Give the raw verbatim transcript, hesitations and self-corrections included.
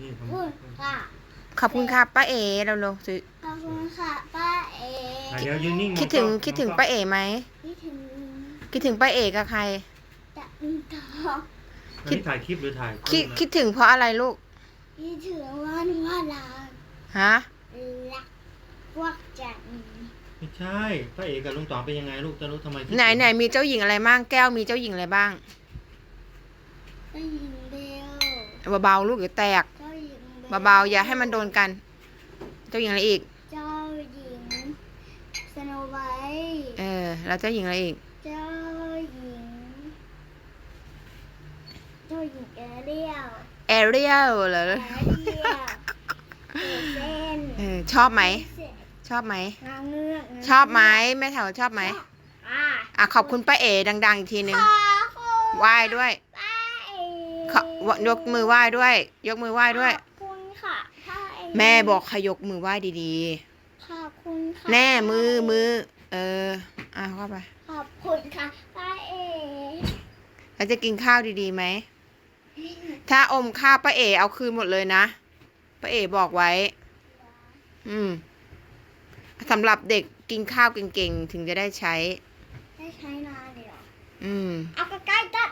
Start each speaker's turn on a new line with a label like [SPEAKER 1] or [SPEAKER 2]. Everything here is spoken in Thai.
[SPEAKER 1] นี่ผม
[SPEAKER 2] คุณค่ะ
[SPEAKER 3] ขอบคุณค่ะป้าเอ๋เราลงสิ
[SPEAKER 2] ขอบคุณค่ะป้าเอ๋
[SPEAKER 1] อ่ะเดี๋ยวยืนนิ่งมอ
[SPEAKER 3] คิดถึง
[SPEAKER 1] กล้อ
[SPEAKER 3] คิดถึง
[SPEAKER 1] มอกล้อ
[SPEAKER 3] ป้าเอ๋ไหม
[SPEAKER 2] คิดถึง
[SPEAKER 3] คิดถึงป้าเอ๋กับใคร
[SPEAKER 2] จะมีต่อ
[SPEAKER 1] อันนี้ถ่ายคลิปหรือถ่าย
[SPEAKER 3] คิด
[SPEAKER 1] รูปนะ
[SPEAKER 3] คิดถึงเพราะอะไรลูก
[SPEAKER 2] คิดถึงวันว่าลา
[SPEAKER 3] ฮะ
[SPEAKER 2] ลักพวกจัน
[SPEAKER 1] ไม่ใช่ป้าเอกกับลุงต๋องเป็นยังไงลูกจะรู้ทำไมคิดถึง
[SPEAKER 3] ไหนไหนมีเจ้าหญิงอะไรบ้างแก้วมีเจ้าหญิงอะไรบ้าง
[SPEAKER 2] เจ้าหญิงเบล
[SPEAKER 3] เบาๆลูกเดี๋ยวแตก
[SPEAKER 2] เจ้าหญิงเบล
[SPEAKER 3] เบาๆอย่าให้มันโดนกัน เจ้าหญิงอะไรอีก
[SPEAKER 2] เจ้าหญิงสโนไวท์
[SPEAKER 3] เออแล้วเจ้าหญิงอะไรอีก
[SPEAKER 2] เจ้าหญิงเจ้าหญิงแอเรียล
[SPEAKER 3] แอเรียลเหรอ
[SPEAKER 2] แอเรียลเอเซน
[SPEAKER 3] เออชอบไหม
[SPEAKER 2] เสร็จ
[SPEAKER 3] ชอบไหม
[SPEAKER 2] นางเงือก
[SPEAKER 3] ชอบไหมแม่แถวชอบไหม
[SPEAKER 2] อ่า
[SPEAKER 3] อ่ะขอบคุณป้าเอ๋ดังๆอีกทีหนึ่ง
[SPEAKER 2] ขอบคุณ
[SPEAKER 3] ไหว้ด้วย
[SPEAKER 2] ป้าเอ๋
[SPEAKER 3] ขอยกมือไหว้ด้วย ยกมือไหว้ด้วย
[SPEAKER 2] ขอบคุณค่ะป้าเอ๋
[SPEAKER 3] แม่บอกขยกมือไหว้ดี
[SPEAKER 2] ขอบคุณค่ะ
[SPEAKER 3] ๆ แน่มือมือ เอออ่ะเข้าไป
[SPEAKER 2] ขอบคุณค่ะป้าเอ๋
[SPEAKER 3] แล้วจะกินข้าวดีๆไหม ถ้าอมข้าวป้าเอ๋เอาคืนหมดเลยนะป้าเอ๋บอกไว้ อืมสำหรับเด็กกินข้าวเก่งๆ ถึงจะได้ใช้
[SPEAKER 2] ได้ใช้นานเลยเหรอ
[SPEAKER 3] อืม
[SPEAKER 2] เอาใกล้ๆได้